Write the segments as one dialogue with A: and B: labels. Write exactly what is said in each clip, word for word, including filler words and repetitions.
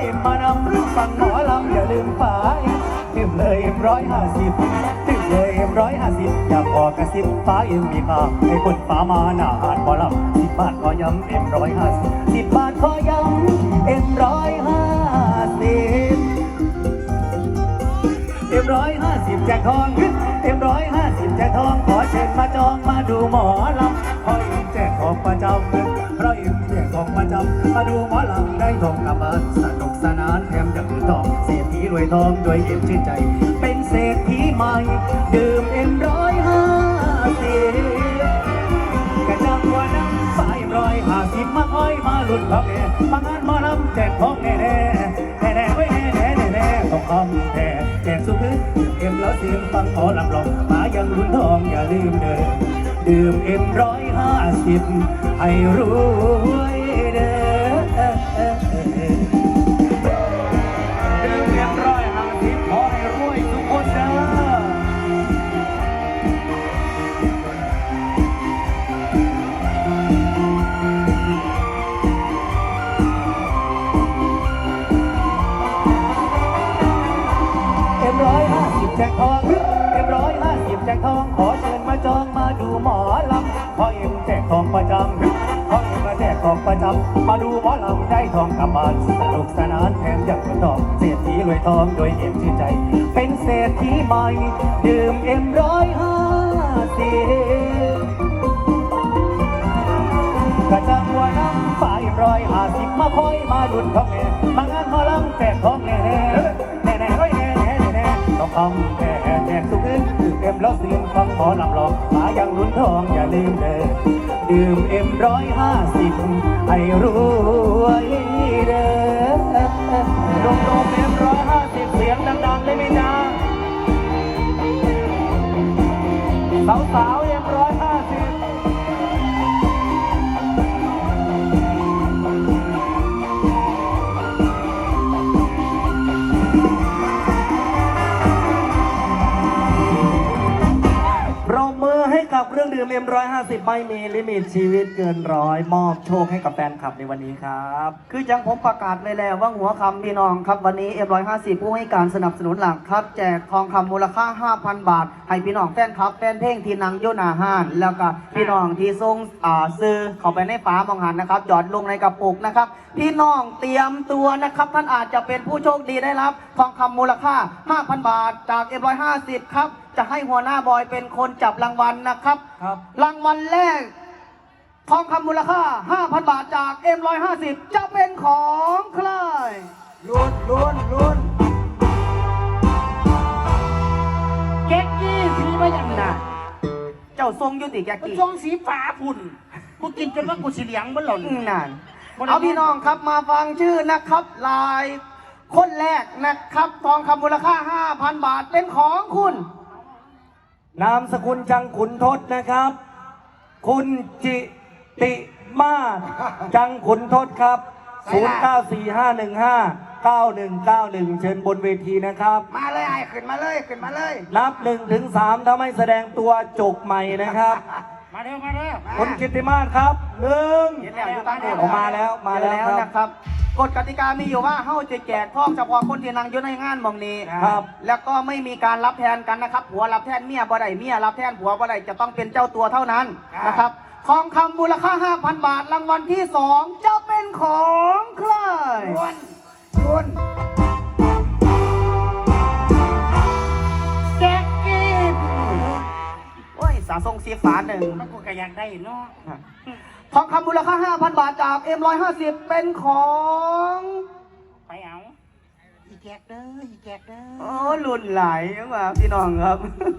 A: เอ็มมานำฟังหมอลำอย่าลืมฝาเอ็มเลยเอ็มร้อยห้าสิบถึงเลยเอ็มร้อยห้าสิบอยากออกกระซิบฟ้าเอ็มมีค่าให้คนฟ้ามาหน้าหาดหมอลำสิบบาทขอย้ำเอ็มร้อยห้าสิบสิบบาทขอย้ำเอ็มร้อยห้าสิบเอ็มร้อยห้าสิบแจกทองเอ็มร้อยห้าสิบแจกทองขอเชิญมาจองมาดูหมอลำขอเอ็มแจกของประจำเพราะเอ็มแจกของประจำมาดูหมอลำได้ทองกลับบ้านสนุกสนานแถมยังถือทองเศรษฐีรวยทองด้วยเอ็มชื่นใจเป็นเศรษฐีใหม่ดื่มเอ็มร้อยห้าสิบกระจังว่าน้ำสายร้อยห้าสิบมาอ้อยมาหลุดของแน่มางานหมอลำแจกของแน่แน่แน่แน่ไว้แน่แน่แน่แน่ต้องคำแน่แจกสุขเอ็มแล้วเสียงฟังขอลำลองมายังรุ่นทองอย่าลืมเดินดื่มเอ็มร้อยห้าสิบให้รวยเด้อดื่มเอ็มร้อยห้าสิบขอให้รวยทุกคนเด้อเอ็มร้อยห้าสิบแจกทองเอ็มร้อยห้าสิบแจกทองขอเชิญมาจองมาดูหมอลำขอเอ็มแจกทองประจำขอเอ็มมาแจกทองประจำมาดูหมอลำได้ทองกลับบ้านสนุกสนานแถมยังเป็นทองเศรษฐีรวยทองโดยเอ็มชื่นใจเป็นเศรษฐีใหม่ดื่มเอ็มร้อยห้าสิบกระจังว่าน้ำฝ่ายร้อยห้าสิบมาคอยมาดุนของแม่มางานหมอลำแจกทองแน่แน่แน่แน่ร้อยแน่แน่แน่ต้องคำแน่แจกสุขอื่นดื่มเอ็มแล้วเสียงฟังขอลำลองมายังลุ้นทองอย่าลืมเด้อดื่มเอ็มร้อยห้าสิบให้รวยเด้อดมดมเอ็มร้อยห้าสิบเสียงดังๆได้ไหมจ๊ะสาวๆเอ็มร้อยห้าสิบปรบมือให้กับเครื่องดื่มเอ็มร้อยห้าสิบไม่มีลิมิตชีวิตเกินร้อยมอบโชคให้กับแฟนคลับในวันนี้ครับคือจังผมประกาศเลยแล้วว่าหัวคำพี่น้องครับวันนี้เอ็มร้อยห้าสิบผู้ให้การสนับสนุนหลักครับแจกทองคำมูลค่า ห้าพัน บาทให้พี่น้องแฟนคลับแฟนเพลงที่นังโยนาห้านแล้วก็พี่น้องที่ส่งอ่าซื้อเข้าไปในฝามองหันนะครับหยอดลงในกระปุกนะครับพี่น้องเตรียมตัวนะครับท่านอาจจะเป็นผู้โชคดีได้รับทองคำมูลค่า ห้าพัน บาทจากเอ็มร้อยห้าสิบครับจะให้หัวหน้าบอยเป็นคนจับรางวัลนะครับครับรางวัลแรกทองคำมูลค่า ห้าพัน บาทจาก เอ็ม ร้อยห้าสิบ จะเป็นของใครลุ้นลุ้นลุ้นแก๊กกี้สีมาอย่างน่ะเจ้าทรงยุติแก๊กกี้ทรงสีฟ้าพุ่นกูกินจนว่ากูสีเหลืองมันหล่นนั่นเอาพี่น้องครับมาฟังชื่อนะครับลายคนแรกนะครับทองคำมูลค่า ห้าพัน บาทเป็นของคุณนามสกุลจังขุนทศนะครับคุณจิติมาศจังขุนทศครับศูนย์ เก้า สี่ ห้า หนึ่ง ห้า เก้า หนึ่ง เก้า หนึ่งเชิญบนเวทีนะครับมาเลยไอ้ขึ้นมาเลยขึ้นมาเลยนับหนึ่งถึงสามถ้าไม่แสดงตัวจกใหม่นะครับมาเร็วมาเร็วคุณจิติมาศครับหนึ่งออกมาแล้วมาแล้วนะครับกฎกติกามีอยู่ว่าเฮ้าจะแจกทองเฉพาะคนที่นั่งอยู่ในงานมองนี้ครับแล้วก็ไม่มีการรับแทนกันนะครับผัวรับแทนเมียบ่ได้เมียรับแทนผัวบ่ได้จะต้องเป็นเจ้าตัวเท่านั้นนะครับทองคำมูลค่า ห้าพัน บาทรางวัลที่สองจะเป็นของใครล้วนล้วนแก๊กกี้โอ้ยสาทรงสีฟ้าหนึ่งมันกูก็อยากได้เนาะทองคำมูลค่า ห้าพัน บาทจาก เอ็ม ร้อยห้าสิบ เป็นของไปเอาอีแจกเด้ออีแจกเด้อโอ้ลุ่นไหลมาพี่น้องครับ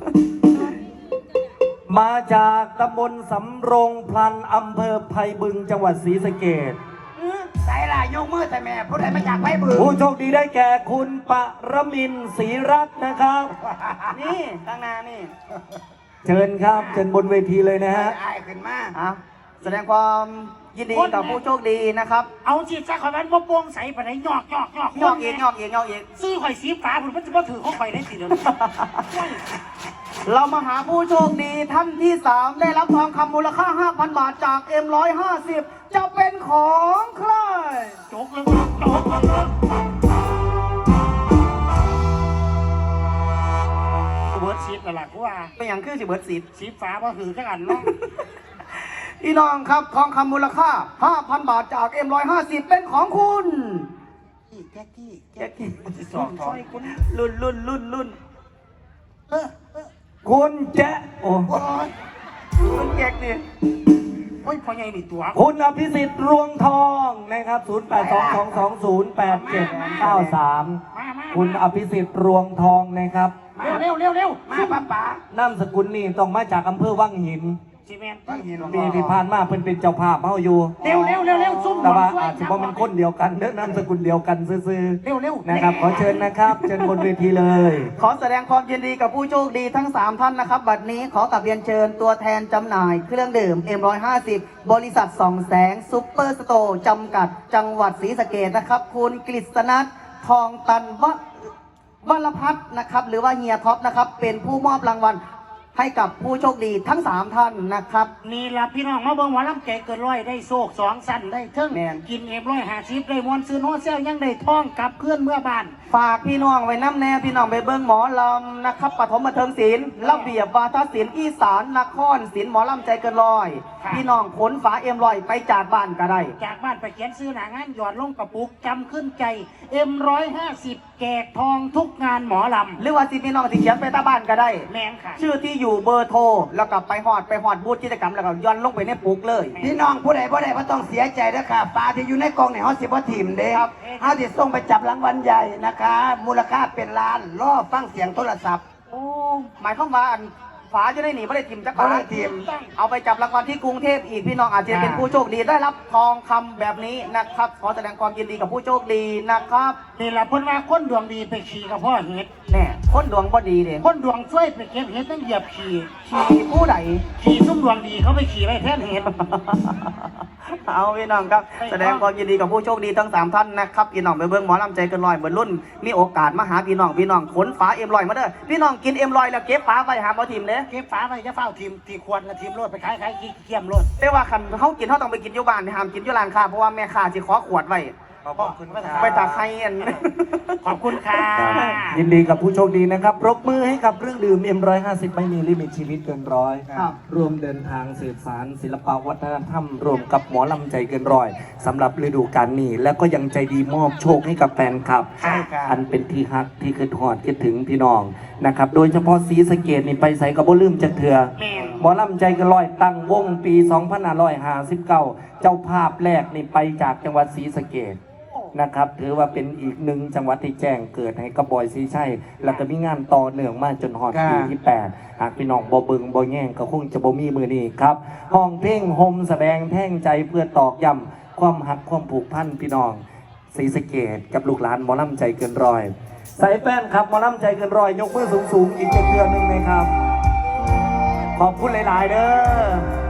A: มาจากตำบลสำโรงพลันอำเภอไผ่บึงจังหวัดศรีสะเกษใส่ล่ะยกมือใส่แม่ผู้ใดมาจากไผ่บึงผู้โชคดีได้แก่คุณปรมินทร์ศรีรัตน์นะครับนี่ข้างหน้านี่เชิญครับเชิญบนเวทีเลยนะฮะไอ้ขึ้นมาแสดงความยินดีกับผู้โชคดีนะครับเอาจีจ้าข่อยมันบ่โป่งใสปานไหนหยอกหยอกหยอกหยอกเองหยอกเองหยอกเองซื้อข่อยสีฟ้าผมมันจะมาถือของข่อยได้สิเดี๋ยวเรามาหาผู้โชคดีท่านที่สามได้รับทองคำมูลค่า ห้าพัน บาทจาก เอ็ม ร้อยห้าสิบ จะเป็นของใครจกเลยจกเลยเป็นอย่างคือสิเบิร์ดสี
B: สีฟ้าว่าหือแค่อันเนาะ
A: พี่น้องครับทองคำมูลค่า ห้าพัน บาทจาก เอ็ม หนึ่งห้าศูนย์ เป็นของคุณ
B: แจ็คกี้
A: แจ็คกี้
B: สองทอยคุณ
A: รุ่นรุ่นรุ่นรุ่น
B: เออเออ
A: คุณแจ๊โอ้
B: โอ้ย
A: คุณแจ็คนี่
B: โอ้ยพอใหญ่นี่ตัว
C: คุณอภิสิทธิ์รวงทองนะครับ ศูนย์ แปด สอง สอง สอง ศูนย์ แปด เจ็ด เก้า สาม
B: มามา
C: คุณอภิสิทธิ์รวงทองนะครับ
B: เร็วเร็วเร็วเร็วมาป้าป๋าน
C: ามสกุลนี่ต้องมาจากอำเภอวังหิน
B: ซีเมนต์ต้องเห็น
C: ปีที่ผ่านมาเพิ่นเป็นเจ้าภาพเฮาอยู่
B: เร็วเร็วเร็วเร็วซุ่ม
C: แต่ว่า
B: ช่วย
C: อาจจะบ่เป็นคนเดียวกันเด้อนามสกุลเดียวกันซื่อ
B: เร็วเร็ว
C: ๆนะครับ ขอเชิญนะครับเชิญบนเวทีเลย
A: ขอแสดงความยินดีกับผู้โชคดีทั้ง สาม ท่านนะครับ บัดนี้ขอกลับเรียนเชิญตัวแทนจำหน่ายเครื่องดื่ม เอ็ม หนึ่งห้าศูนย์ บริษัทสองแสงซุปเปอร์สโตร์จำกัดจังหวัดศรีสะเกษนะครับ คุณกฤษณัททองตันวะวรพัฒน์นะครับ หรือว่าเฮียท็อปนะครับ เป็นผู้มอบรางวัลให้กับผู้โชคดีทั้ง สาม ท่านนะครับ
B: นี่ล่ะพี่น้องมาเบิ่งหมอลำแก่เกินร้อยได้โศกสองสั้นได้เทิง
A: แม่น
B: กินเอ็มร้อยห้าสิบได้มวนซื้อโน้ตเซลยังได้ท่องกลับเคลื่อนเมื่อบ้าน
A: ฝากพี่น้องไว้น้ำแน่พี่น้องไปเบิ้งหมอลำนะครับปฐมบันเทิงศิลป์ระเบียบวาทศิลป์อีสานนครศิลป์หมอลำใจเกินร้อย
B: ค่ะ
A: พี่น้องขนฝาเอ็มลอยไปจากบ้านก็ได้
B: จากบ้านไปเขียนซื้อหนางานหยอดลงกระปุกจำขึ้นใจเอ็มร้อยห้าสิบแจกทองทุกงานหมอล
A: หรือว่าสิพี่น้องที่เขียนไปตาบ้านก็ได้
B: ำแมงค่ะ
A: ชื่อที่อยู่เบอร์โทรแล้วก็ไปหอดไปหอดบูธกิจกรรมแล้วก็ย้อนลงไปในปุกเลย
D: พี่น้องผู้ใดผู้ใดก็ต้องเสียใจนะคะปลาที่อยู่ในกล่องเนี่ยเขาสิบว่าทีมเด้ครับเขาจะส่งไปจับรางวัลใหญ่นะคะ มูลค่าเป็นล้านรอฟังเสียงโทรศัพท์
A: โอ้หมายความว่าอันฝาจะได้หนีไม่ได้ทิมจัก
D: บ่ได้
A: บาท
D: ทิ่ม
A: เอาไปจับรางวัลที่กรุงเทพอีกพี่น้องอาจจะเป็นผู้โชคดีได้รับทองคำแบบนี้นะครับขอแสดงความยินดีกับผู้โชคดีนะครับ
B: นี่ล่ะเพิ่นว่าคนดวงดีไปขี่กับพ่อเห็ด
A: แน่คนดวงบ่ดีเด้
B: คนดวงช่วยไปเก็บเห็ดต้องเหยียบขี่
A: ขี่ผู้ใด
B: ขี่ซุ่มดวงดีเขาไปขี่ไปแทนเห็ด
A: เอาพี่น้องครับแสดงความยินดีกับผู้โชคดีทั้งสามท่านนะครับพี่น้องไปเบิ่งหมอลำใจเกินร้อยเหมือนรุ่นมีโอกาสมาหาพี่น้องพี่น้องขนฝาเอ็มลอยมาเด้อพี่น้องกินเอ็มลอยแล้วเก็บฝาไปหาบ่ทีมเด้
B: เก็บฝาไปจะเฝ้าทีมทีควรละทีมโลดไปขายขายขี้เกียมโลด
A: แต่ว่าคันเขากินเขาต้องไปกินอยู่บ้านห้ามกินอยู่ร้านค้าเพราะว่าแม่ค้าสิขอขวดไว้
B: ขอบคุณครับ
A: ไปตาใครอัน
B: ขอบคุณค่ะ
C: ยินดีกับผู้โชคดีนะครับปรบมือให้กับเครื่องดื่ม เอ็ม หนึ่งห้าศูนย์ ไม่มีลิมิตชีวิตเกินร้อย
A: ครับ
C: ร่วมเดินทางสืบสารศิลปวัฒนธรรมรวมกับหมอลำใจเกินร้อยสำหรับฤดูกาลนี้ แล้วก็ยังใจดีมอบโชคให้กับแฟนคลับ
B: ใช่ครับ
C: อันเป็นที่ฮักที่คิดฮอดคิดถึงพี่น้องนะครับโดยเฉพาะศรีสะเกษนี่ไปใส่กับบ่ลืมจักเถื่อ
B: แม่น
C: หมอลำใจเกันร้อยตั้งวงปี สองพันห้าร้อยห้าสิบเก้า เจ้าภาพแรกนี่ไปจากจังหวัดศรีสะเกษนะครับถือว่าเป็นอีกหนึ่งจังหวัดที่แจ้งเกิดให้กับบอยซีชัยแล้วก็มีงานต่อเนื่องมาจนฮอดปีที่แปดหากพี่น้องบ่เบิงบ่แย่งก็คงจะบ่มีมือนี้ครับห้องเพลงโฮมแสดงแท่งใจเพื่อตอกย้ำความหักความผูกพันพี่น้องศรีสะเกษกับลูกหลานหมอลำใจเกินร้อยใส่แฟนครับหมอลำใจเกินร้อยยกมือสูงๆอีกเทื่อหนึงนะครับขอบคุณหลายๆเด้อ